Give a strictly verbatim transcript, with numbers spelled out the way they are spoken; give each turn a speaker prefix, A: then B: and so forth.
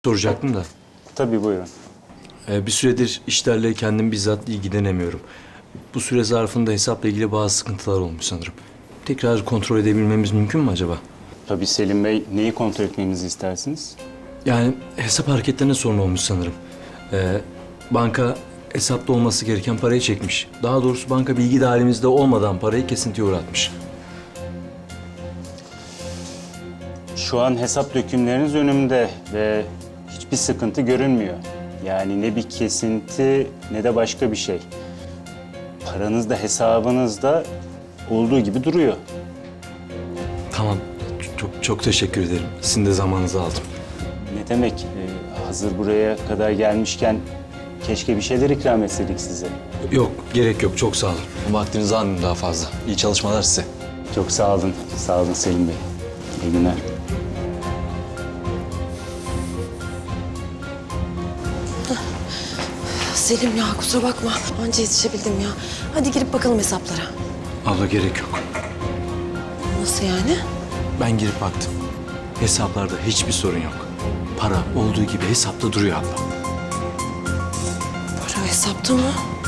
A: Soracaktım da.
B: Tabii buyurun.
A: Ee, bir süredir işlerle kendim bizzat ilgilenemiyorum. Bu süre zarfında hesapla ilgili bazı sıkıntılar olmuş sanırım. Tekrar kontrol edebilmemiz mümkün mü acaba?
B: Tabii Selim Bey, neyi kontrol etmemizi istersiniz?
A: Yani hesap hareketlerine sorun olmuş sanırım. Ee, banka hesapta olması gereken parayı çekmiş. Daha doğrusu banka bilgi dahilimizde olmadan parayı kesintiye uğratmış.
B: Şu an hesap dökümleriniz önümde ve hiçbir sıkıntı görünmüyor. Yani ne bir kesinti ne de başka bir şey. Paranız da hesabınız da olduğu gibi duruyor.
A: Tamam, çok çok teşekkür ederim. Sizin de zamanınızı aldım.
B: Ne demek? Ee, hazır buraya kadar gelmişken keşke bir şeyler ikram etseydik size.
A: Yok, gerek yok. Çok sağ olun. Vaktinizi almayayım daha fazla. İyi çalışmalar size.
B: Çok sağ olun. Sağ olun Selim Bey. İyi günler.
C: Selim ya kusura bakma. Anca yetişebildim ya. Hadi girip bakalım hesaplara.
A: Abla gerek yok.
C: Nasıl yani?
A: Ben girip baktım. Hesaplarda hiçbir sorun yok. Para olduğu gibi hesapta duruyor abla.
C: Para hesapta mı?